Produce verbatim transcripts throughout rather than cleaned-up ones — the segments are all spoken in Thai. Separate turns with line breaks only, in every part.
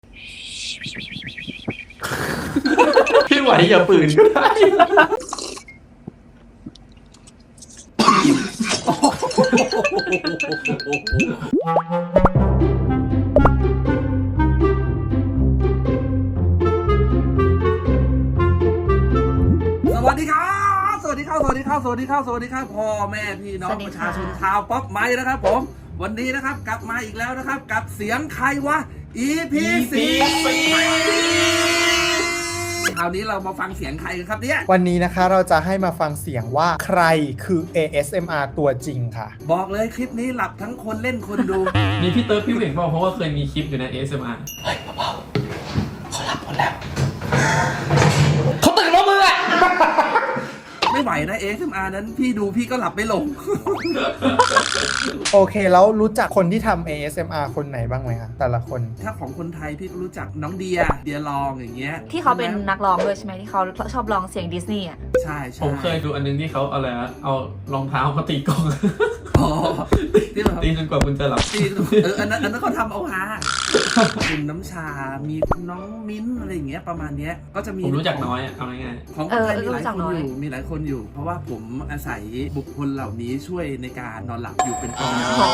พี่ไหวอย่าปืนก็ได้
สวัสดีครับสวัสดีครับสวัสดีครับสวัสดีครับสวัสดีครับพ่อแม่พี่น้องประชาชนชาวป๊อปไม้นะครับผมวันนี้นะครับกลับมาอีกแล้วนะครับกับเสียงใครวะ อี พี สี่คราวนี้เรามาฟังเสียงใครกันครับเนี่ย
วันนี้นะคะเราจะให้มาฟังเสียงว่าใครคือ เอ เอส เอ็ม อาร์ ตัวจริงค่ะ
บอกเลยคลิปนี้หลับทั้งคนเล่นคนดู
มีพี่เติร์ดพี่เหว่งบอกเพราะว่าเคยมีคลิปอยู่ใน เอ เอส เอ็ม อาร์
เฮ้ยเบาๆเขาหลับหมดแล้วเขาตื่นแล้วมึงอะไม่ไหวนะ เอ เอส เอ็ม อาร์ นั้นพี่ดูพี่ก็หลับไม่ลง
โอเคแล้วรู้จักคนที่ทำ เอ เอส เอ็ม อาร์ คนไหนบ้างไหมคะแต่ละคน
ถ้าของคนไทยพี่ก็รู้จักน้องเดียเดียลองอย่างเงี้ย
ที่เขาเป็นนักร้องด้วยใช่ไหมที่เขาชอบร้องเสียงดิสนีย์อ่ะ
ใช่ใช่
ผมเคยดูอันนึงที่เขาเอาอะไรนะเอารองเท้ามาตีกลอง
อ๋อที่เรา
ตีจนกว่าคุณจะหลับ
ตีเอออันนั้นอันนั้นเขาทำเอาฮาคุณน้ำชา มีน้องมิ้นอะไรอย่างเงี้ยประมาณเนี้ยก็จะมี
ผมรู้จักน้อยอ่ะเอาง่าย
ของคนไทยมีหลายคนอยู่มีหลายคนอยู่ เพราะว่าผมอาศัยบุคคลเหล่านี้ช่วยในการนอนหลับอยู่เป็นประจำ
อ๋อ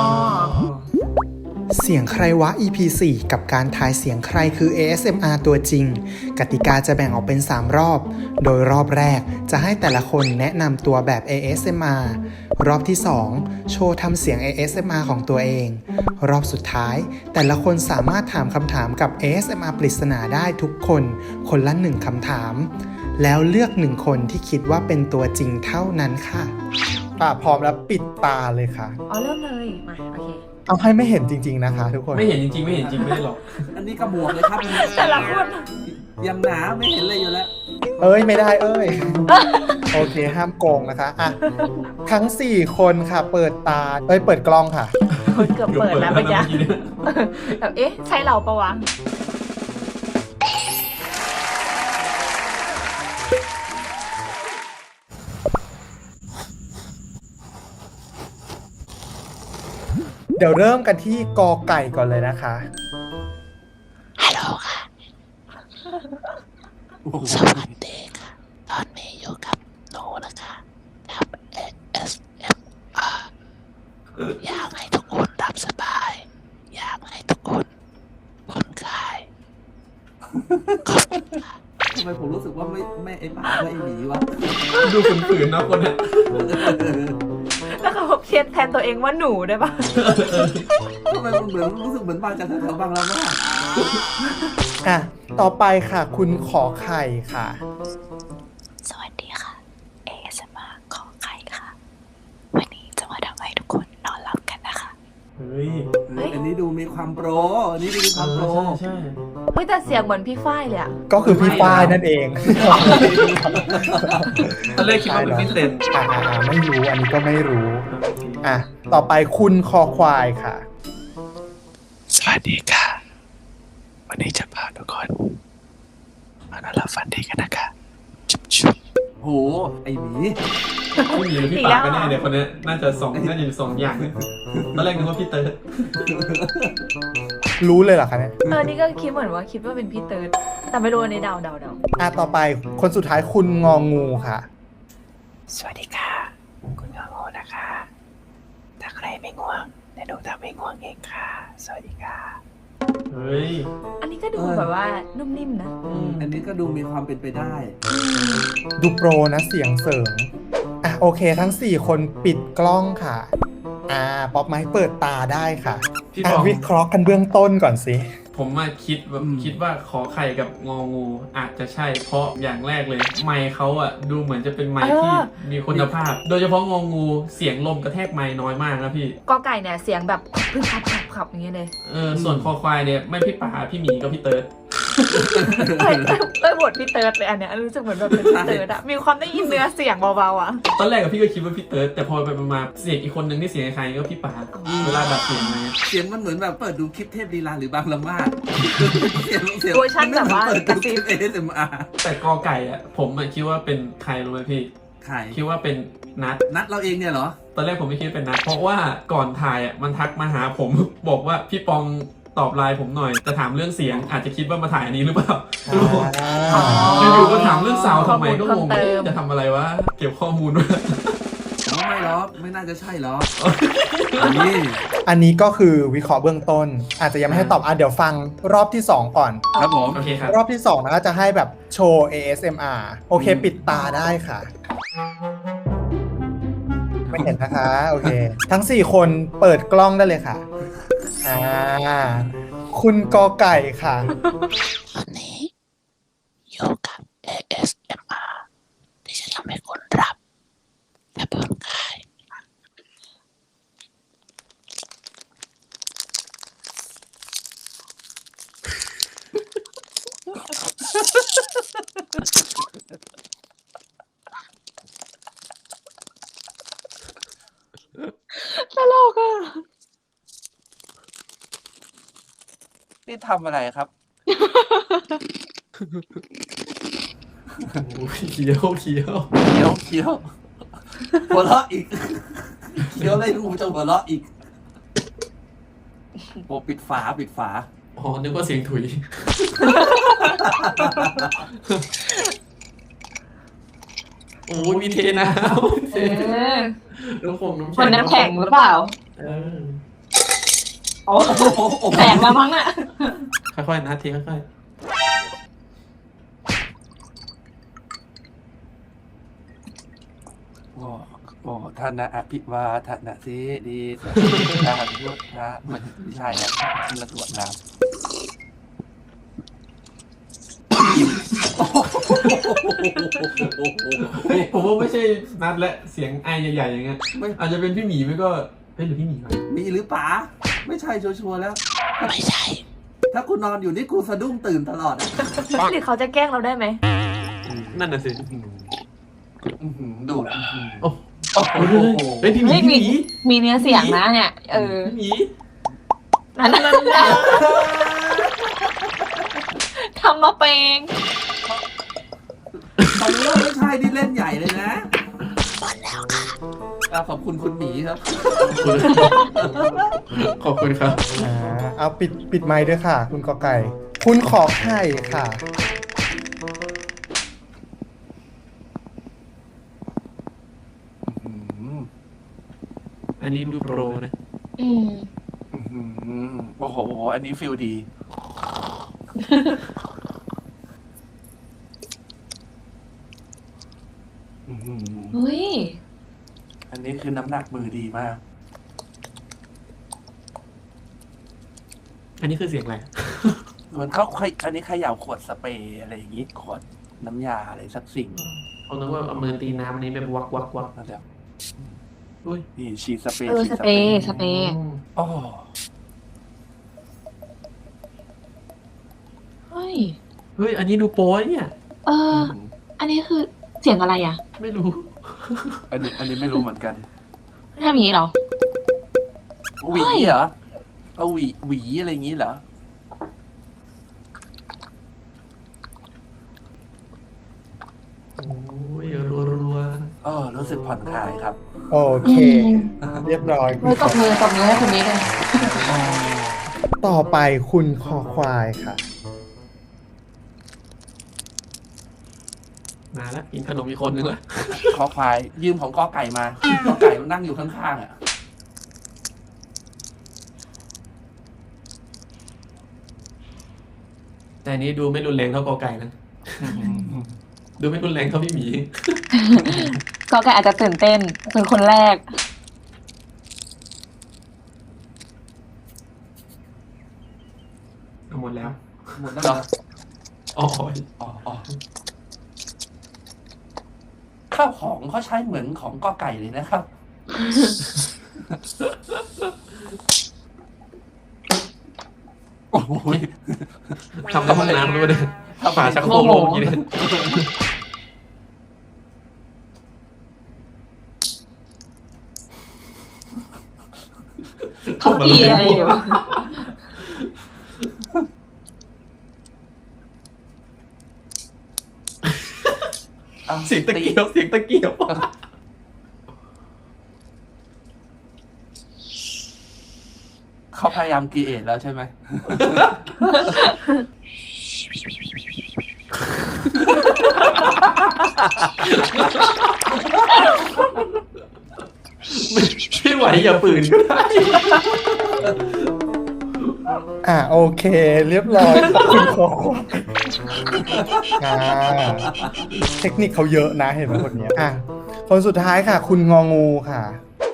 เสียงใครวะ อี พี สี่ กับการทายเสียงใครคือ เอ เอส เอ็ม อาร์ ตัวจริงกติกาจะแบ่งออกเป็นสามรอบโดยรอบแรกจะให้แต่ละคนแนะนำตัวแบบ เอ เอส เอ็ม อาร์ รอบที่สองโชว์ทำเสียง เอ เอส เอ็ม อาร์ ของตัวเองรอบสุดท้ายแต่ละคนสามารถถามคำถามกับ เอ เอส เอ็ม อาร์ ปริศนาได้ทุกคนคนละหนึ่งคำถามแล้วเลือกหนึ่งคนที่คิดว่าเป็นตัวจริงเท่านั้นค่ะอ่ะพร้อมแล้วปิดตาเลยค่ะ
อ๋อเริ่มเลยมาโอเค
เอาให้ไม่เห็นจริงๆนะคะทุกคน
ๆไม่เห็นจริงๆไม่เห็นจริงไม่ได้หรอก
อันนี้กระบวกเลยครับ
แต่ละคน
ยังหนาไม่เห็นเลยอยู่แล้ว
เอ้ยไม่ได้เอ้ย โอเคห้ามโกงนะคะอ่ะทั้งสี่คนค่ะเปิดตาเอ้ยเปิดกล้องค่ะ
เกือบเปิดแล้วเมื่อกี้แบบเอ๊ะใช่เราปะวะ
เดี๋ยวเริ่มกันที่กอไก่ก่อนเลยนะคะ
ฮัลโหลค่ะ สวัสดีค่ะ ตอนนี้อยู่กับหนูนะคะทำ เอ เอส เอ็ม อาร์ อยากให้ทุกคนหลับสบาย อยากให้ทุกคนผ่อนคลายขอบคุณค่ะ
ทำไมผมรู้สึกว่าไม่ไม่ไอ้ป่าไม่ไอ้หมีวะ
ดูฝืนๆนะคนเนี้ย
แล้วเขาเชียร์แทนตัวเองว่าหนูได้ปะ
ทำไมมันเหมือนรู้สึกเหมือนมาจากแถวๆบางละมาด
อ่ะต่อไปค่ะคุณขอไข่ค่ะ
สวัสดีค่ะ เอ เอส เอ็ม อาร์ ขอไข่ค่ะ วันนี้จะมาทำให้ทุกคนนอนหลับกันนะคะ
เฮ้ย
เฮ้ยอันนี้ดูมีความโปรอันนี้ดูมีความโปร
ใช่
เฮ้ยแต่เสียงเหมือนพี่ฝ้ายเลยอะ
ก็คือพี่ป้ายนั่นเอง
ตอนแรกคิดว่าเป็นพี่เซน
อ่ะอ่ะอ่ะไม่รู้อันนี้ก็ไม่รู้อ่ะต่อไปคุณคอควายค่ะ
สวัสดีค่ะ วันนี้จะพาทุกคนมานอนหลับฝันดีกันนะคะชุบชุบ
โหไอ้หมี
พี่หมีหรือพี่ปากกันแน่เนี่ยคนเนี้ยน่าจะสองน่าจะอยู่สองอย่างตอนแรกนึกว่าพี่เติร์ด
รู้เลยเหรอคะเนี่ย
เออนี่ก็คิดเหมือนว่าคิดว่าเป็นพี่เติร์ดแต่ไม่รู้อันนี้เดาเดาเดา
อ่ะต่อไปคนสุดท้ายคุณงองูค่ะ
สวัสดีค่ะ คุณงอโง่นะคะ ถ้าใครไม่ง่วงเดี๋ยวหนูทำให้ง่วงเองค่ะ สวัสดีค่ะ
เฮ้ย
อันนี้ก็ดูแบบว่านุ่มนิ่มนะ
อืมอันนี้ก็ดูมีความเป็นไปได้
ดูโปรนะเสียงเสริงอ่ะโอเคทั้งสี่คนปิดกล้องค่ะ อ่าป๊อปไม้เปิดตาได้ค่ะ
พี่
อ่ะ
บอง
วิเคราะห์กันเบื้องต้นก่อนสิ
ผมมาคิดว่า
อืม
คิดว่าขอไข่กับงองูอาจจะใช่เพราะอย่างแรกเลย ไมค์เขาอ่ะดูเหมือนจะเป็นไมค์ที่
เออ
มีคุณภาพ โดยเฉพาะงองูเสียงลมกระแทกไมค์น้อยมากนะพี่
กอไก่เนี่ยเสียงแบบพึ่งขับขับขับอย่างเงี้ยเลย
เออส่วนคอควายเนี่ยไม่พี่ป๋าพี่หมีก็พี่เติร์ด
เอ้ยเอ้ยบทพี่เติร์ดเลยอันเนี้ยรู้สึกเหมือนแบบเป็นพี่เติร์ดอะมีความได้ยินเนื้อเสียงเบาๆอะ
ตอนแรกกับพี่ก็คิดว่าพี่เติร์ดแต่พอไปมาเสียงอีกคนนึงที่เสียงใครก็พี่ป๋าเวลาดัดเสียงอะไรเงี้ย
เสียงมันเหมือนแบบเปิดดูคลิปเทพลีลาหรือบางละมาดเสียงเสียง
เวอร์ชันแบบว่า
เปิด
ก
ดู
ระ
ค
ซิ
ลิ
บ
ป เอ เอส เอ็ม อาร์
แต่กอไก่อ่ะผมอะคิดว่าเป็นใครรู้ไหมพี่
ใคร
คิดว่าเป็นนัด
นัดเราเองเนี่ยเหรอ
ตอนแรกผมไม่คิดว่าเป็นนัดเพราะว่าก่อนถ่ายอ่ะมันทักมาหาผม บอกว่าพี่ปองตอบไลน์ผมหน่อยจะถามเรื่องเสียงอาจจะคิดว่ามาถ่ายอันนี้หรือเปล่า
อ่า
อยู่ๆก็ถามเรื่องสาวทำไมก็งง
ข้อมูลเพิ่มเติม
จะทำอะไรวะเก็บข้อมูลไว้
ไม่หรอกไม่น่าจะใช่หรอกนี่
อันนี้ก็คือวิเคราะห์เบื้องต้น อาจจะยังไม่ให้ตอบอ่ะเดี๋ยวฟังรอบที่สองก่อน
ครับผม
โอเคครับ
รอบที่สองนะก็จะให้แบบโชว์ เอ เอส เอ็ม อาร์ โอเค ปิดตาได้ค่ะ ไม่เห็นนะคะ โอเค ทั้ง สี่ คนเปิดกล้องได้เลยค่ะ อ่า คุณกอไก่ค่ะ
วันนี้อยู่กับ เอ เอส เอ็ม อาร์ ที่จะทำให้คุณรับและผ่อนคลาย
ตลกอ่ะ
นี่ทำอะไรครับ
โอ้ยเคี้ยวเคี้ยว
เคี้ยวเคี้ยวหัวเราะอีกเคี้ยวอะไรกูจะหัวเราะอีกโอ้ปิดฝาปิดฝา
อ๋อนึกว่าเสียงถุย โอ้ยมีเทน้ำเท
เออ
น้ำคงน้ำ
ค
แข็ง
นน้ำแข็งหรือเปล่า
เออ
โอ้แตกแล้วมั้งอ่ะ
ค่อยๆนะเทค่อย
โอ้โอ้ท่านนะอภิวาทนะสิดีสาธุพุทธะมันไม่ใช่แล้วมันละตรวจน้ำ
ๆเฮ้ยผมว่าไม่ใช่นัดและเสียงไอใหญ่ๆอย่างเงี้ยอาจจะเป็นพี่หมีไม่ก็เฮ้ยหรือพี่หมีวะ
มีหรือป๋าไม่ใช่ชัวร์ๆแล้ว
ไม่ใช่
ถ้ากูนอนอยู่นี่กูสะดุ้งตื่นตลอดอะ
หรือเขาจะแกล้งเราได้ไหม
นั่นน่ะสิ
อื้อหือดูดอื้อหือ
โอ้
โอ้โห
เฮ้ยพี่หมี
เฮ้ย
พี่ห
มี
มี
มีเนื้อเสียงนะเนี่ย เออ
พี่หมี
นั่นนั่นทำมาเป็น
ตอนนี้ว่าไม่ใช่นี่เล่นใหญ่เลยนะ
หมดแล้วค่ะ
อ่ะขอบคุณคุณหมีครับ
ขอบคุณครับ
อ่า เอาปิดปิดไมค์ด้วยค่ะ คุณกอไก่ คุณขอไข่ค่ะ
อื้อหือ
อันนี้ดูโปรนะ
อืม
อื้อหือโอ้โห อันนี้ฟิลดี อื้อหือ
เฮ้ย
อันนี้คือน้ำหนักมือดีมาก
อันนี้คือเสียงอะไร
เหมือนเขาเคยอันนี้เขย่าขวดสเปรย์อะไรอย่างงี้ขวดน้ำยาอะไรสักสิ่ง
เขาคิดว่าเอามือตีน้ำอันนี้แบบวักวักวัก
นั่นแหละ
อุ้ย
นี่ฉีดสเปรย์
เออ
ฉีด
สเปรย์สเปรย์
อ๋อ
เฮ้ย
เฮ้ยอันนี้ดูโป้เนี่ย
เออ อันนี้คือเสียงอะไรอ่ะ
ไม่รู้
อันนี้อันนี้ไม่รู้เหมือนกัน
ทำอย่างนี้เหรอ
หวี
เฮ้ย
เหรอเอาหวีหวีอะไรอย่างงี้เหรอ
โอ้ยรัวรัว
เออรู้สึกผ่อนคลายครับ
โอเค
อืม
เรียบร้อย
เฮ้ยตบมือตบมือให้คนนี้เลย
ต่อไปคุณคอควายค่ะ
มาแล้วกินขนมอีกคนนึงละ
คอควายยืมของกอไก่มากอไก่มันนั่งอยู่ข้างๆอ่ะ
แต่อันนี้ดูไม่รุนแรงเท่ากอไก่นะ ดูไม่รุนแรงเท่าพี่หมี
ก็แกอาจจะตื่นเต้นเป็นคนแรก
หมดแล้ว
หมดแล้วเหรอ
อ๋อ
อ๋ออ๋อข้าวของเขาใช้เหมือนของกอไก่เลยนะครับ โอ้ย
ทำในห้องน้ำด้วยเนี่ยฝาชักโครกโลงอย่างนี้เนี่ย
เขาอีอะไรอยู่
อา
เสียงตะเกียบเสียงตะเกียบ
เขาพยายามกีเอทแล้วใช่ไหม
ไม่ไหวอย่าปืนก็ได้
อ่ะโอเค เรียบร้อยขอบคุณคอควายอ่าเทคนิคเขาเยอะนะเห็นไหมคนเนี้ยอ่ะคนสุดท้ายค่ะ คุณงองูค่ะ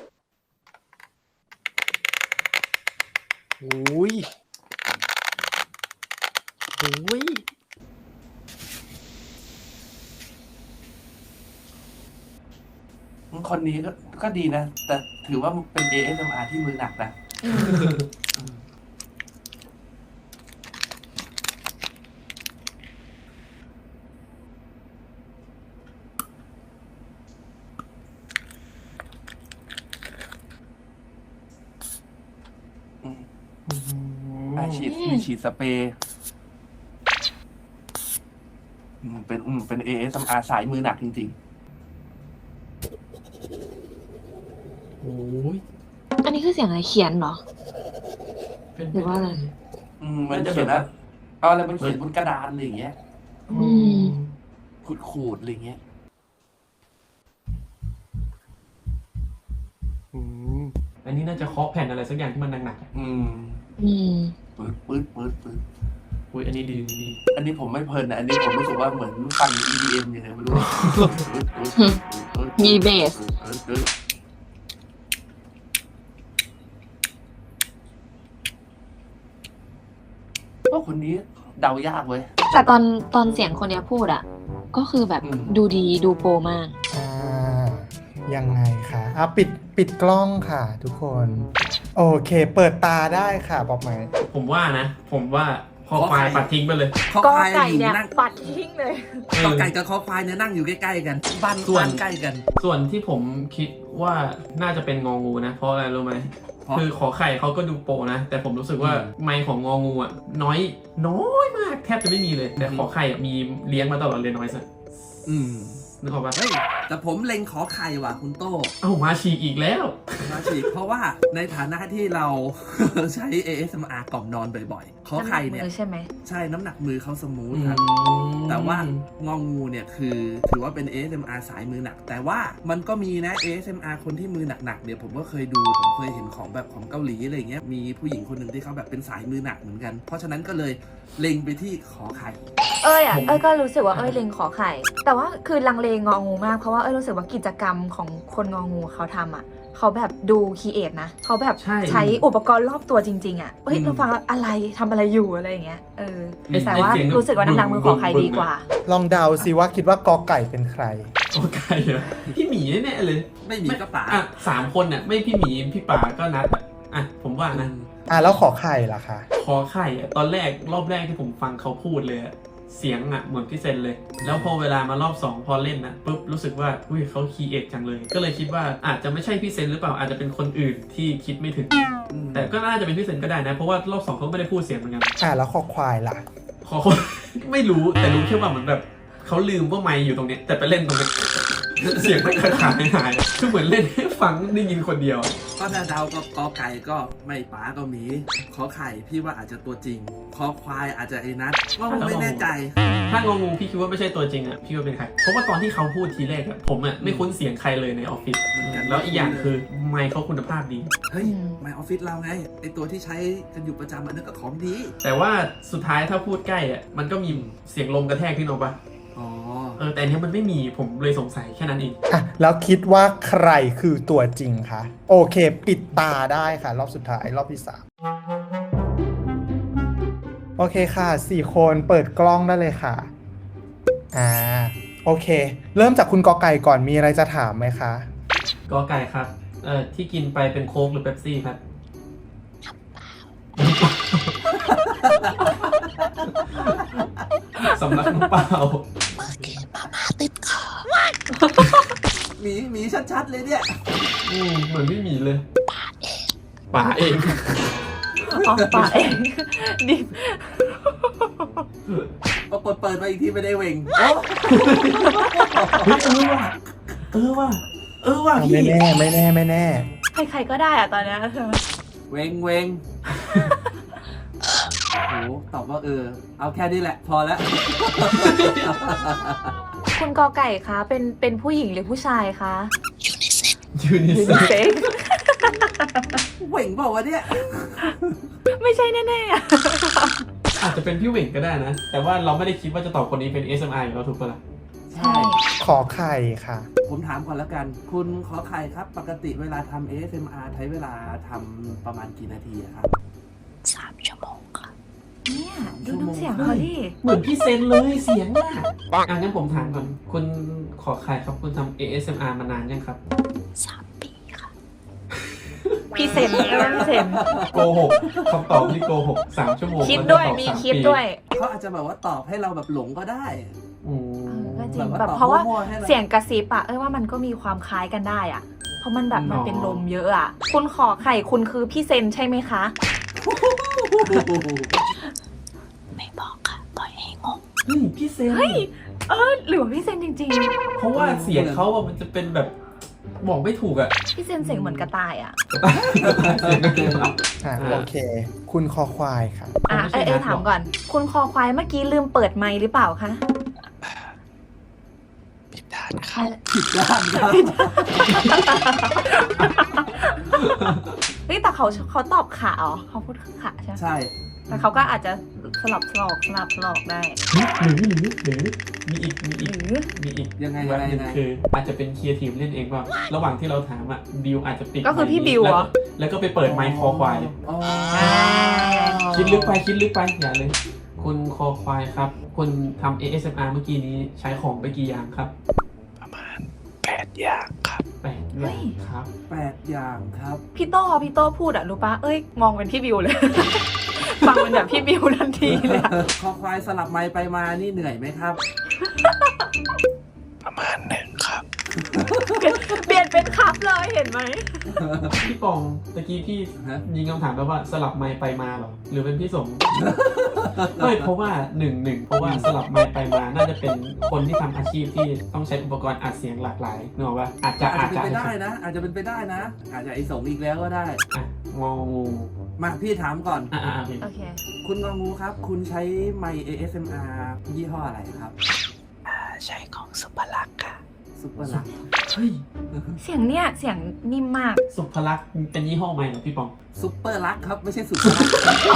โอ้ยโอ้ย
คนนี้ก็ก็ดีนะ แต่ถือว่าเป็น เอ เอส เอ็ม อาร์ ที่มือหนักนะอาฉีดมีฉีดสเปรย์อืมเป็นอืมเป็น เอ เอส เอ็ม อาร์ สายมือหนักจริง
โอ้ย
อันนี้คือเสียงอะไรเขียนเหรอ
เป็น
หรือว่าอะไร
ๆ อืมมันจะเขียนว่าเอาอะไรมันเขียนบนกระดานอะไรอย่างเงี้ย
อืม
ขูดๆอะไรอย่างเงี้ย
อืม
อันนี้น่าจะเคาะแผ่นอะไรสักอย่างที่มันหนักๆอะ
อืม
อืม
ปืดปืดปืดปืด
อุ้ยอันนี้ดีดี
อันนี้ผมไม่เพลินนะอันนี้ผมรู้สึกว่าเหมือนฟัง อี ดี เอ็ม อย่างไรไม่รู้
มีเบส
ก็คนนี้เดายากเว้ย
แต่ตอนตอนเสียงคนเนี้ยพูดอ่ะ ก็คือแบบ
อืม
ดูดีดูโปรมาก
อ่า ยังไงคะอ่ะปิดปิดกล้องค่ะ ทุกคน โอเค เปิดตาได้ค่ะบอกไหม
ผมว่านะ ผมว่าคอควายปัดทิ้งไปเลย
ข้อ
ก็
ควาย
ไก่
อยู่
เนี่ย
นั่ง
ปัดทิ้งเลย
กอไก่กับคอควายเนี่ยนั่งอยู่ใกล้ๆกัน บ้าน
ส่วน
บ้านใกล้กัน
ส่วนที่ผมคิดว่าน่าจะเป็นงองูนะ เพราะอะไรรู้ไหม
เพราะ
คือขอไข่เขาก็ดูโปรนะ แต่ผมรู้สึกว่า
อืม
ไมค์ของงองูอ่ะน้อยน้อยมากแทบจะไม่มีเลย แต่
อืม
ขอไข่อะมีเลี้ยงมาตลอดเลยน้อยสัก
อืม
นึกออกปะ
เฮ้ยแต่ผมเล็งขอไข่ว่ะคุณโต้
เอ้ามาฉีกอีกแล้ว
มาฉีกเพราะว่าในฐานะที่เรา ใช้ เอ เอส เอ็ม อาร์ กล่อมนอนบ่อยๆ ขอไข่เนี่ย
ำหกมือใช่ไหม
ใช่น้ำหนักมือเขาสมูทครับ แต่ว่างองูเนี่ยคือถือว่าเป็น เอ เอส เอ็ม อาร์ สายมือหนัก แต่ว่ามันก็มีนะ เอ เอส เอ็ม อาร์ คนที่มือหนักๆเนี่ยผมก็เคยดูผมเคยเห็นของแบบของเกาหลีอะไรเงี้ยมีผู้หญิงคนหนึ่งที่เขาแบบเป็นสายมือหนักเหมือนกัน เพราะฉะนั้นก็เลยเล็งไปที่ขอไข่
เอ้ยอ่ะ
ผม
เอ้ยก็รู้สึกว่าเอ้ยเลงขอไข่ แต่ว่าคือลังเลงองูมากเพราะว่าเอ้ยรู้สึกว่ากิจกรรมของคนงองูเขาทำอ่ะเขาแบบดูคีเอทนะเขาแบบ
ใช่
ใช้อุปกรณ์รอบตัวจริงๆอ่ะเฮ้ย
อืม
เราฟังแล้วอะไรทำอะไรอยู่อะไรอย่างเงี้ยเออ
ไอ้
แต่ว่า
ไอ้เสียง
รู้สึกว่าน้ำหนักมือขอไข่ดีกว่า
ลองเดาสิว่าคิดว่ากอไก่เป็นใคร
ขอไข่เหรอพี่หมีแน่ๆเลย
ไม่มีก็ป๋า
อ่ะสามคนน่ะไม่พี่หมีพี่ป๋าก็นัดอ่ะอ่ะผมว่านะ
อ่ะแล้วขอไข่ล่ะคะ
ขอไข่อะตอนแรกรอบแรกที่ผมฟังเขาพูดเลยอะเสียงอะเหมือนพี่เซนเลย แล้วพอเวลามารอบสองพอเล่นนะปุ๊บรู้สึกว่าอุ้ยเขาคีเอทจังเลย ก็เลยคิดว่าอาจจะไม่ใช่พี่เซนหรือเปล่าอาจจะเป็นคนอื่นที่คิดไม่ถึง
อืม
แต่ก็น่าจะเป็นพี่เซนก็ได้นะ เพราะว่ารอบสองเขาไม่ได้พูดเสียงเหมือนกัน
อ่ะแล้วขอควายล่ะ
ขอคน ไม่รู้แต่รู้แค่ว่าเหมือนแบบเขาลืมว่าไมค์อยู่ตรงเนี้ยแต่ไปเล่นตรงนี้ เสียงมันขาดขาดหายๆคือเหมือนเล่นให้ฟังได้ยินคนเดียว
ก็ถ้าเดาก็กอไก่ก็ไม่ป๋าก็หมี ขอไข่พี่ว่าอาจจะตัวจริง ขอควายอาจจะไอ้นัทว่าผมไม่แน่ใจ
ถ้างงงพี่คิดว่าไม่ใช่ตัวจริงอ่ะพี่ว่าเป็นใครเพราะว่าตอนที่เขาพูดทีแรกอ่ะผมอ่ะไม่คุ้นเสียงใครเลยในออฟฟิศ
เหมือนกัน
แล้วอีกอย่างคือไมค์เขาคุณภาพดี
เฮ้ย
อืม
ไมออฟฟิศเราไงไอตัวที่ใช้กันอยู่ประจำอันนั้นก็ของดี
แต่ว่าสุดท้ายถ้าพูดใกล้อ่ะมันก็มีเสียงลมกระแทกที่นกปะ
อ๋อ
เออแต่อันเนี้ยมันไม่มีผมเลยสงสัยแค่นั้นเอง
อ่ะแล้วคิดว่าใครคือตัวจริงคะโอเค ปิดตาได้ค่ะ รอบสุดท้ายรอบที่สามโอเคค่ะสี่คนเปิดกล้องได้เลยค่ะอ่าโอเค เริ่มจากคุณกอไก่ก่อนมีอะไรจะถามไหมคะ
กอไก่ครับเอ่อที่กินไปเป็นโค้กหรือเป๊ปซี่ครับสำลักน้ำเปล่า
เมื่อกี้มาม่าติดคอ
หมีหมีชัดๆเลยเนี่ย
อืมเหมือนไม่มีเลยป่าเอง
อ๋อปาเอง ดิ
พอเปิดเปิดมาอีกทีไม่ได้เวง
เฮ้ยเออว่ะเออว่ะเออว่ะ
ไม่
พี่
แน่ไม่แน่ไม่แน่
ใครๆก็ได้อะตอนเนี้ย
เวงเวงตอบว่าเออ เอาแค่นี้แหละ พอแล้ว
คุณกอไก่คะเป็นเป็นผู้หญิงหรือผู้ชายคะ
ยูนิ
ยู
เซ็
นิ
ก
เซ็ก
เหว่งบอกว่าเนี่ย
ไม่ใช่แน่ๆอะ
อาจจะเป็นพี่เหว่งก็ได้นะ แต่ว่าเราไม่ได้คิดว่าจะตอบคนนี้เป็น เอส เอ็ม อาร์ อยู่แล้วถูกปะล่ะ
ใช่
ขอไข่ค่ะ
ผมถามก่อนแล้วกัน คุณขอไข่ครับ ปกติเวลาทำ เอ เอส เอ็ม อาร์ ใช้เวลาทำประมาณกี่นาทีอะครับ
สามชั่วโมงค่ะ
เนี่ยดูน้ำเสียงเขาดิ
เหมือนพี่เซนเลยเสียงอ่ะอ่ะงั้นผมถามก่อน คุณขอใครครับ คุณทำ เอ เอส เอ็ม อาร์ มานานยังครับ
สามปีค่ะ
พี่เซนพี่เซน
โกหกคำตอบที่โกหกสามชั่วโมง
คิดด้วย
แล้จะตอบ
มี
สา
คิด
ปี
ด้วย
เขาอาจจะแบบว่าตอบให้เราแบบหลงก็ได้
อื
เอ
ม
อก็จริง
แบบว่า
แบบ
ตอบ
เพราะว่า
มั่วๆให้เรา
เสียงกระซิบอะเอ้ยว่ามันก็มีความคล้ายกันได้อะเพราะมันแบบมันเป็นลมเยอะอะคุณขอไข่คุณคือพี่เซนใช่ไหมคะ
ไม่บอกค่ะ ปล่อยให้งง
เฮ้ยพี่เซน
เฮ้ย เออหรือว่าพี่เซนจริง
เพราะว่าเสียงเขาอะมันจะเป็นแบบบอกไม่ถูกอะ
ๆ พี่เซนเสียงเหมือนกระต่ายอะ
เสียงก็คือแบบ
อ่ะโอเค คุณคอควายค่ะ
อ่ะเอ้ยเอ้ยถามก่อน คุณคอควายเมื่อกี้ลืมเปิดไมค์หรือเปล่าคะ
ผิดด้านค่ะ
ผิดด้านครับ
เฮ้ยแต่เขาเขาตอบขาอ๋อเขาพูดขาใช่ไหม
ใช่
แต่เขาก็อาจจะสลับสลอกสลับสลอกได้
หรือหรือหรือหรือมีอีกมี
ห
อีก
รือ
มีอีก
ยังไง
แบ
ยัง
บ
ไง
หนึง
ยังไง
คืออาจจะเป็นครีเอทีฟเล่นเองว่าระหว่างที่เราถามอะบิวอาจจะปิด
ก็คือพี่บิวเหรอ
แล้แล้วก็ไปเปิดไมค์คอควาย
อ๋อ
คิดลึกไปคิดลึกไปอย่าเลย คุณคอควายครับ คุณทำ เอ เอส เอ็ม อาร์ เมื่อกี้นี้ใช้ของไปกี่อย่างครับ
ประมาณแปดอย่างครับ
แปดอย่างครับ
แปดอย่างครับ
พี่โต้พี่โต้พูดอะรู้ปะเอ้ยมองเป็นพี่บิวเลย ฟังเป็นแบบพี่บิวทันทีเลยอะ
คอควายสลับไมค์ไปมานี่เหนื่อยไหมครับ
ประมาณหนึ่งครับ
เปลี่ยนเป็นครับเลยเห็นไหม
พี่ปองตะกี้พี่
ฮะ
ยิงคำถามแล้วว่าสลับไมค์ไปมาเหรอหรือเป็นพี่สม เฮ้ยเพราะว่าหนึ่งหนึ่งเพราะว่าสลับไมค์ไปมาน่าจะเป็นคนที่ทำอาชีพที่ต้องใช้อุปกรณ์อัดเสียงหลากหลายนึกออกว่าอาจจะ
อา
อา
จ
จ
จะ
จะ
เป็นไปได้นะ อาจจะเป็นไปได้นะ อาจจะไอสงอีกแล้วก็ได้
อ่ะงองู
มาพี่ถามก่อน
อ่ะอ่ะอ่ะ
โอเค
คุณงองูครับ คุณใช้ไมค์ เอ เอส เอ็ม อาร์ ยี่ห้ออะไรครับ
อ่า ใช้ของสุภลักษณ์ค่ะ
ซุปเปอร์ลัก
เฮ้ย
เสียงเนี่ยเสียงนิ่มมาก
สุภลักษณ์เป็นยี่ห้อใหม่เหรอพี่ปอง
ซุปเปอร์ลักครับ ไม่ใช่สุปเปอร์ลัก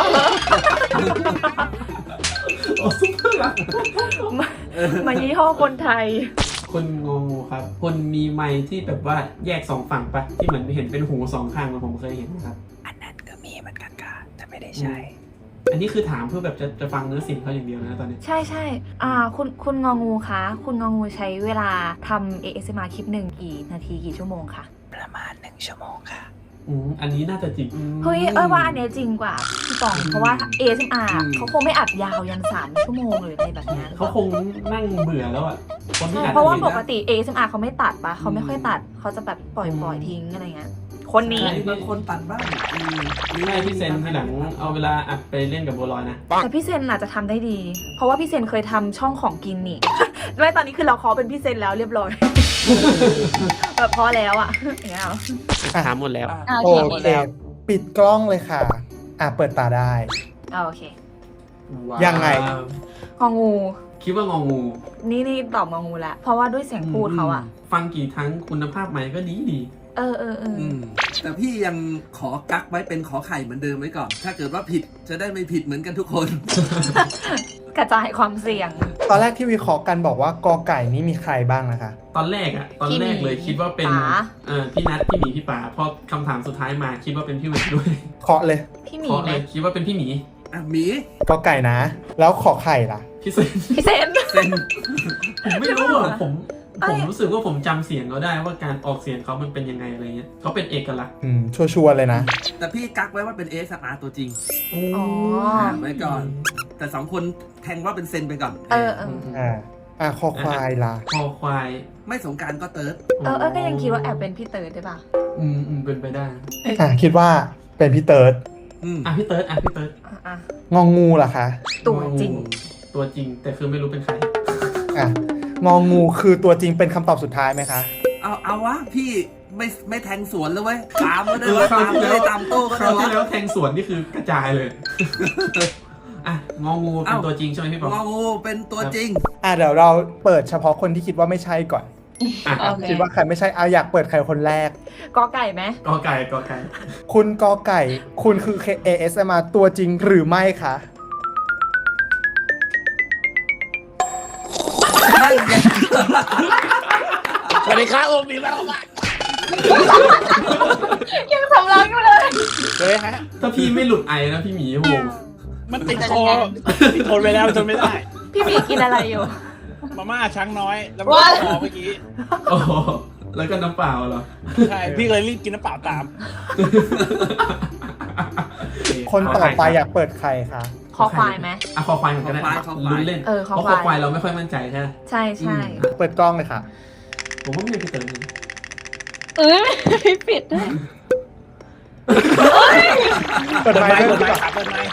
โอ้สุภลักษณ์
มามายี่ห้อคนไทย
คุณงองูครับคุณมีไมค์ที่แบบว่าแยกสองฝั่งปะที่เหมือนเห็นเป็นหูสองข้างเหมือนผมเคยเห็นนะครับ
อันนั้นก็มีเหมือนกันค่ะ แต่ไม่ได้ใช้
อันนี้คือถามเพื่อแบบจะจะฟังเนื้อเสียงเขาอย่างเดียวนะตอนนี้
ใช่ใช่อ่าคุณคุณงองูคะคุณงองูใช้เวลาทำ เอ เอส เอ็ม อาร์ คลิปหนึ่งกี่นาทีกี่ชั่วโมงคะ
ประมาณหนึ่งชั่วโมงค่ะ
อืมอันนี้น่าจะจริง
เฮ้ยเอ้ยว่าอันเนี้ยจริงกว่าพี่ปองเพราะว่า เอ เอส เอ็ม อาร์ เขาคงไม่อัดยาวยันสามชั่วโมงหรืออะไรแบบเนี้ย
เขาคงนั่งเบื่อแล้วอ่ะคนที่
ใช่
อัด
เพราะว่า
คลิ
ป
ป
กติ เอ เอส เอ็ม อาร์ เขาไม่ตัดปะเขาไม่ค่อยตัดเขาจะแบบปล่อยปล่อยทิ้งอะไรเงี้ยคนนี้
ใช่บางคนตัดบ้างอืม
ใช่พี่เซนทีหลังเอาเวลาอัดไปเล่นกับบัวลอยนะ
แต่พี่เซนอาจจะทำได้ดี เพราะว่าพี่เซนเคยทำช่องของกินนี่ ไม่ตอนนี้คือเราขอเป็นพี่เซนแล้วเรียบร้อย แบบพอแล้วอ่ะอย่างเงี้ยเหรอ
ถามหมดแล้ว
อ่ะ
อ่ะ
โอ
โอเค
เค ปิดกล้องเลยค่ะ อ่ะ เปิดตาได้
อ่ะโอเค
ว้าว
ยังไง
งองู
คิดว่างองู
นี่นี่ตอบงองูแล้วเพราะว่าด้วยเสียงพูดเขาอะ
ฟังกี่ครั้งคุณภาพไมค์ก็ดีดี
เออเออเออ
อืมแต่พี่ยังขอกักไว้เป็นขอไข่เหมือนเดิมไว้ก่อน ถ้าเกิดว่าผิดจะได้ไม่ผิดเหมือนกันทุกคน
กระจายความเสี่ยง
ตอนแรกที่วิเคราะห์กันบอกว่ากอไก่นี่มีใครบ้างนะคะ
ตอนแรกอะตอนแรกเลยคิดว่าเป็น
ป๋า
เออพี่นัทพี่หมีพี่ป๋าพอคำถามสุดท้ายมาคิดว่าเป็นพี่เวทด้วย
เคาะเลย
พี่หมี
เพราะ
ไหม
เลยคิดว่าเป็นพี่หมี
อ่ะหมี
กอไก่นะ แล้วขอไข่ล่ะ
พี่เซน
พี่เซน
เซน
ผมไม่รู้อ่ะผม
เอ้
ผ
ย
มรู้สึกว่าผมจำเสียงเขาได้ว่าการออกเสียงเขามันเป็นยังไงอะไรเงี้ยเขาเป็นเอกลักษณ์
อืม ชัวร์ๆเลยนะ
แต่พี่กักไว้ว่าเป็น เอ เอส อาร์ ตัวจริง
โอ้
อ๋อ
ไว้ก่อน แต่สองคนแทงว่าเป็นเซนไปก่อน
เออเออ
อ่า อ่ะคอควายล่ะ
คอควาย
ไม่สงกรารก็เติร์ด
เออเออก็ยังคิดว่าแอบเป็นพี่เติร์ดได้ป่ะ
อืมอืมเป็นไปได้เอ๊ะ
อ่ะ คิดว่าเป็นพี่เติร์ด
อืม
อ่ะพี่เติร์ดอ่ะพี่เติร์ด
อ่ะอ่ะ
งองูล่ะคะ
ตัวจริง
ตัวจริงแต่คือไม่รู้เป็นใคร
อ่ะ งองูคือตัวจริงเป็นคำตอบสุดท้ายไหมคะ
เอาเอาวะพี่ไม่ไม่แทงสวนแล้วเว้ยตามก็ได้
เออ
วะ
คราว
ตาม
ที่
เล
แล้ว
ยตามโต้ก็
ค
ได้
ราวที่
วะ
แล้วแทงสวนนี่คือกระจายเลยอ่ะงองูเป็นตัวจริงใช่ไหมพี่ปอง
งองูเป็นตัวจริง
อ่ะเดี๋ยวเราเปิดเฉพาะคนที่คิดว่าไม่ใช่ก่อน
อ่ะ
โอเค
คิดว่าใครไม่ใช่เอาอยากเปิดใครคนแรก
กอไก่ไหม
กอไก่กอไก่
คุณกอไก่ คุณคือ เอ เอส เอ็ม อาร์ ตัวจริงหรือไม่คะ
สวัสดีครับโอมมีแล้วมา
ยังสำลักอยู่เลย
เลยฮะ
ถ้าพี่ไม่หลุดไอนะพี่หมีโอ้โห
มันติดคอพี่ทนไปแล้วทนไม่ได้
พี่หมีกินอะไรอยู่
มาม่าช้างน้อยแล้วก็คอเมื่อกี้
โอ้โหแล้วก็น้ำเปล่าเหรอ
ใช่พี่เลยรีบกินน้ำเปล่าตาม
คนต่อไปอยากเปิดใครคะ
คอควายไหม
อ่ะคอควายเหมือนกันได้
คอควายคอควาย
ลุ้นเล่น
เออคอ
เพราะ
ควาย
คอควายเราไม่ค่อยมั่นใจใช่ไหม
ใช่ใช่
เปิดกล้องเลยค่ะ
ผมว่าไม่พี่เติมนะ
เอ้ยไม่ปิดด้วย
เปิด
เปิด
ไม
ไม
ค์
ค์
ด้วย
เปิดไม
ดีก
ค์
ว่า
ครับเปิดไมค์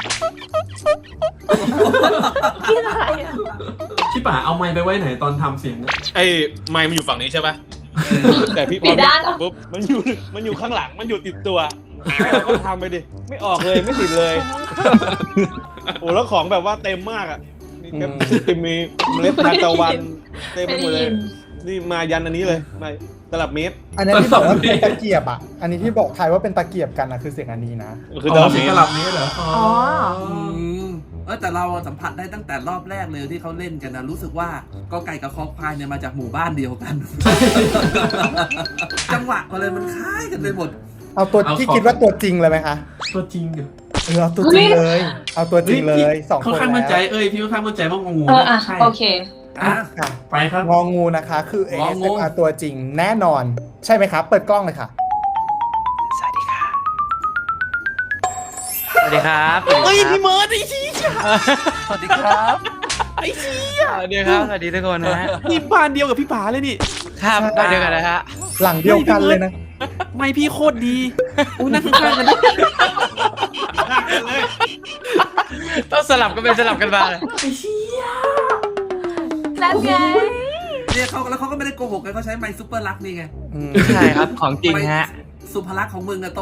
กินอะไรอ่ะ
พี่ป่าเอาไมค์ไปไว้ไหนตอนทำเสียงอะ
ไอ้ไมค์มันอยู่ฝั่งนี้ใช่ปะแต่พี่พ
ปิ
อ
ดด้านเหรอ
ปุ๊บมันอยู่มันอยู่ข้างหลังมันอยู่ติดตัวเราก็ทำไปดิไม่ออกเลยไม่ติดเลยโอ้แล้วของแบบว่าเต็มมากอ่ะมีแคปติมีเมล็ดทานตะวันเต็มไปหมดเลยนี่มายันอันนี้เลยมาตลับเมตร
อันนี้ที่บอกว่าเป็นตะเกียบอ่ะ อันนี้ที่บอกทายว่าเป็นตะเกียบกันนะคือเสียงอันนี้นะ
คือตลับ
เสียง
เมต
ก
ร
ระลับนี้เหรออ๋อ
อ๋อ
อืมเออแต่เราสัมผัสได้ตั้งแต่รอบแรกเลยที่เขาเล่นกันนะรู้สึกว่าก็ไก่กับคอควายเนี่ยมาจากหมู่บ้านเดียวกัน จังหวะอะไรมันคล้ายกันไปหมด
เอาตัวที่คิดว่าตัวจริงเลยไหมคะ
ตัวจริงเหรอ
เออเอาตัวจริงเลย เอาตัวจริงเลยสองค
ค่อน
น
ข้างมั่นใจ
แล้ว
เอ้ยพี่ค่อนข้างมั่นใจว่างองู
เอออ่ะ
ใช่
โอเค
อ่ะ
ค่ะ
ไปครับ
งองูนะคะ คือ เอ
งอ
เอส
งู
เอ็ม อาร์ ตัวจริงแน่นอน ใช่ไหมครับ เปิดกล้องเลยค่ะ
สวัสดีครับสวัสดีครับเฮ้ยพี่เมิร์ดไอ้ชี้สวัสดีครับไอ้ชี้สวัสดีครับสวัสดีทุกคนนะฮะ
นี่บ้านเดียวกับพี่ป๋าเลยนี่
ครับบ้านเดียวกันนะฮะ
หลังเดียวกันเลยนะ
ไม่พี่โคตรดีอู้นั่งข้างๆกันดิ
ต้องสลับกันเป็นสลับกันมาเลย
นั่นไง
เนี่ยเขาแล้วเขาก็ไม่ได้โกหกกันเขาใช้ไมค์ซูเปอร์ลักนี่ไง
อืม
ใช่ครับของจริงฮะ
สุภลักษณ์ของมึงอะโต้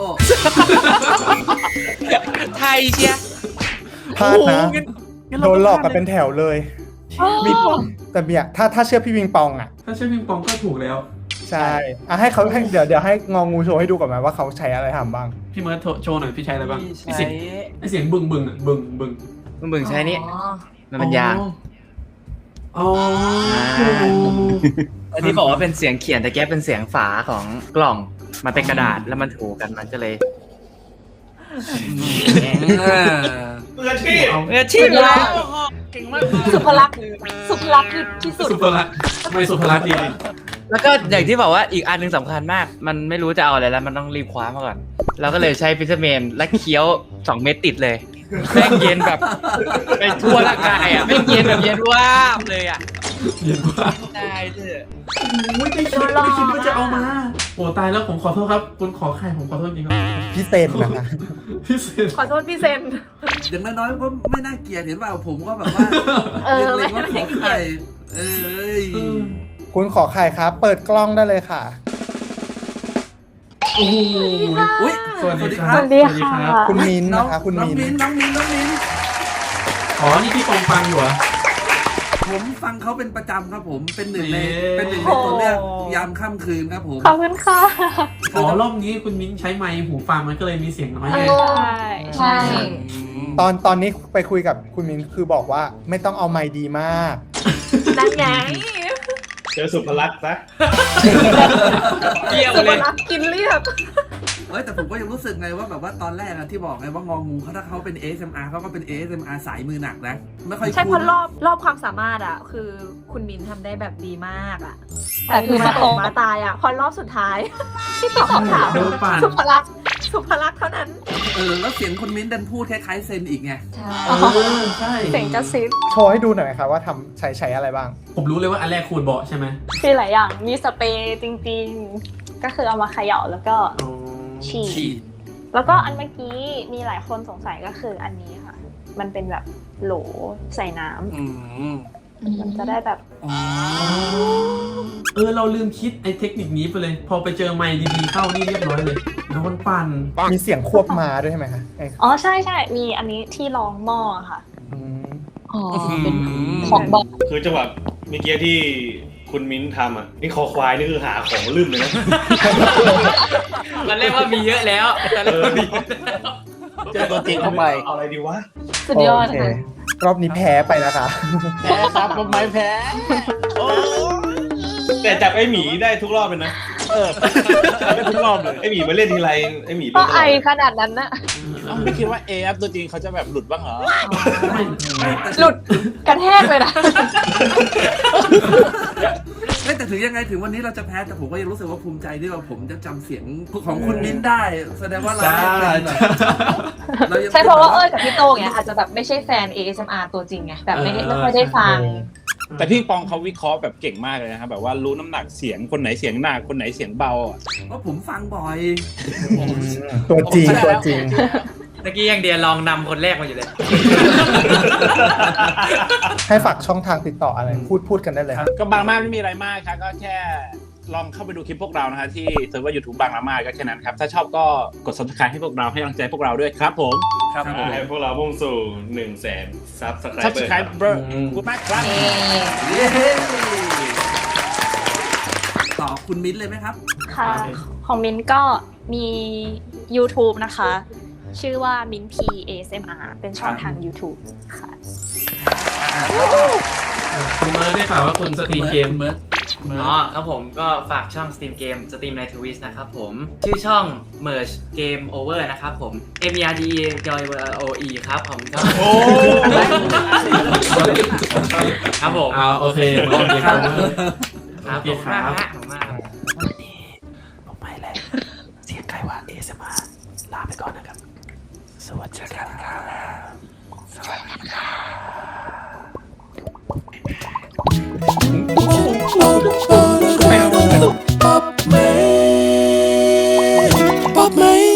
ไทยเชีย
พลาดนะ โดนหลอกกันเป็นแถวเลยมีแต่เบียถ้าถ้าเชื่อพี่วิงปองอ่ะ
ถ้าใช่พิงปองก็ถูกแล้ว
ใช่อ่ะให้เขาให้เดี๋ยวเดี๋ยวให้งองูโชว์ให้ดูก่อนไหมว่าเขาใช้อะไรทำบ้าง
พี่เมิร์ดโชว์หน่อยพี่ใช้อะไรบ้างไอ
ใช้
เสียงไอเสียงบึงบึงอ่ะบึงบึง
มึงบึงใช้นี่
อ๋อ
มันเป็นยาง
อ๋อ
อันนี้บอกว่าเป็นเสียงเขียนแต่แกเป็นเสียงฝาของกล่องมันเป็นกระดาษแล้วมันถูกันมันก็เลย
มืออาชีพ
เออชีพแล้วเก่งมาก
สุภลักษณ์สุภลักษณ์คือที่สุด
สุภลักษณ์ไม่สุภลักษณ์ดี
แล้วก็อย่างที่บอกว่าอีกอันหนึ่งสำคัญมาก มันไม่รู้จะเอาอะไรแล้วมันต้องรีบคว้ามาก่อนเราก็เลยใช้พิซซ่าเมนและเคี้ยวสองเม็ดติดเลยแม่งเย็นแบบไปทั่วร่างกายอ่ะแม่งเย็นแบบเย็นวาบเลยอ่ะ
เย็นมาก
ได้เถอะ
โอ้ยไม่คิดไม่คิดว่าจะเอามาโอ้ตายแล้วผมขอโทษครับคุณขอไข่ผมขอโทษจริงครับ
พี่เซนนะคะ
พี่เซน
ขอโทษพี่เซน
อย่างน้อยๆก็ไม่น่าเกลียดเห็นเปล่าผมก็แบบว่า
เออ
เล็งๆว่าขอไข่เอ้ย
คุณขอไข่ครับ เปิดกล้องได้เลยค่ะ
โอ้โห
อุ้ย
สวัสดีครับ
สวัสดี
สวัสดีครับ
คุณมิ้นท์
น้อง
นะคะ คุณ
น้อง
มิ้น
มิ้น
ท์
น้องมิ้นน้องมิ้น
อ๋อนี่พี่ปองฟังอยู่เหรอ
ผมฟังเขาเป็นประจำครับผมเป็นหนึ่งใน
เอ๊ะ
เป็นหนึ่งในตัวเลือกยามค่ำคืนครับผม
ขอบคุณค่ะ
อ๋อรอบนี้คุณมิ้นใช้ไมค์หูฟังมันก็เลยมีเสียงน้อยไง
ใช่
ใช่
ตอนตอนนี้ไปคุยกับคุณมิ้นท์คือบอกว่าไม่ต้องเอาไมค์ดีมาก
นั่นไง
เจอสุภลักษณ์ซะ
เกี่ยว
สุ
เล
ภ
ย
ลักษณ์กินเรียบ
เอ้ยแต่ผมก็ยังรู้สึกไงว่าแบบว่าตอนแรกอะที่บอกไงว่างองูเขาถ้าเขาเป็น เอ เอส เอ็ม อาร์ เขาก็เป็น เอ เอส เอ็ม อาร์ สายมือหนักนะไม่ค่อย
ใช่เพ
คุ้น
ราะรอบรอบความสามารถอ่ะ คือคุณมินทำได้แบบดีมากอ่ะ
แต่
แต่
คื
คือ อ
มา
มา
ต
ต
ก
กมาตายอ่ะ พอรอบสุดท้าย ที่ตอบคำถาม
โดนปั่น
สุภลักษณ์สุภลักษณ์เท่านั้น
เออแล้วเสียงคุณมิ้นดันพูดคล้ายๆเซนอีกไง
ใช่
เออใช่
เสียงกระซิบ
โชว์ให้ดูหน่อยไหมคะว่าทำใช้ใช้อะไรบ้าง
ผมรู้เลยว่าอันแรกคูณเบาะใช่ไหม
มีหลายอย่าง มีสเปรย์จริงๆ ก็คือเอามาเขย่าแล้วก็
อ๋อ
ฉีด
ฉีด
แล้วก็อันเมื่อกี้มีหลายคนสงสัยก็คืออันนี้ค่ะ มันเป็นแบบโหลใส่น้ำ
อืม
มันจะได้แบบ
อ๋อ
เออเราลืมคิดไอ้เทคนิคนี้ไปเลย พอไปเจอไมค์ดีๆเข้านี่เรียบร้อยเลยโดนปั่น
มีเสียงควบมาด้วยใช่ไหมคะไอ้
อ๋อใช่ใช่ มีอันนี้ที่รองหม้อค่ะ
อืม
อ๋อเป็นของบอก
คือจังหวะเมื่อกี้ที่คุณมิ้นทำอ่ะนี่คอควายนี่คือหาของลืมเลยนะ
มันเรียกว่ามีเยอะแล้วแต่เรียกว่ามีเยอะแล้ว
เจอตัวจริงเข้าไปเอาอะไรดีวะ
สุดยอด
โอเค
ค่ะ
รอบนี้แพ้ไปนะคะ
แพ้ครับผมไม่แพ้แต่จับไอ้หมีได้ทุกรอบเลยนะเออได้ทุกรอบเลยไอ้หมีมาเล่นทีไรไอ้หมี
ก็ไอขนาดนั้นนะ
ไม่คิดว่าเอฟตัวจริงเขาจะแบบหลุดบ้างเหรอ
หลุดกระแทกเลยนะ
เฮ้ยแต่ถึงยังไงถึงวันนี้เราจะแพ้แต่ผมก็ยังรู้สึกว่าภูมิใจที่ว่าผมจะจำเสียงของคุณมิ้นได้ แสดงว่าเราเป็นแบบเรายัง
ใช่เพราะว่าเอ้ยกับพี่โตงเนี่ยอาจจะแบบไม่ใช่แฟน เอ เอส เอ็ม อาร์ ตัวจริงไงแบบไม่ได้ไม่ค่อยได้ฟัง
แต่พี่ปองเขาวิเคราะห์แบบเก่งมากเลยนะครับแบบว่ารู้น้ำหนักเสียงคนไหนเสียงหนักคนไหนเสียงเบาอ่ะ
เพราะผมฟังบ่อย
ตัวจริงตัวจริง
ตะกี้ยังเดียลองนำคนแรกมาอยู่เลย
ให้ฝากช่องทางติดต่ออะไร พูดพูดกันได้เลยครับ
ก็บางมากไม่มีอะไรมากครับก็แค่ลองเข้าไปดูคลิปพวกเรานะฮะที่เซิร์ฟเวอร์ยูทูบบางละมาก็แค่นั้นครับถ้าชอบก็กด ซับสไครบ์ ให้พวกเราให้กำลังใจพวกเราด้วยครับผม
ครับผม
ให้พวกเรามุ่งสู่หนึ่งแสนซับสไครบ์ซับสไครบ์เบอร์กูมากครับ
เย้ต่อคุณมิ้นเลยไหมครับ
ค่ะ ของมินก็มี YouTube นะคะ ชื่อว่ามินพี เอ เอส เอ็ม อาร์ เป็นช่องทาง YouTube ค่ะ
คุณเมิร์ดได้ข่าวว่าคุณสตรีมเกม
เมิร์ด
อ๋อครับผมก็ฝากช่องสตรีมเกมสตรีมในทวิสนะครับผม ชื่อช่อง Merge Game Over นะครับผม M E R D O E ครับผมครับ
โอ้
ครับผม
เอาโอเคโอเคครับ
ครับผมมากฮะผมมาก
ผมไม่แล้วเสียงใครว่า เอ เอส เอ็ม อาร์ ลาไปก่อนนะครับ สวัสดีครับสวัสดีครับป๊อปไหมป๊อปไหม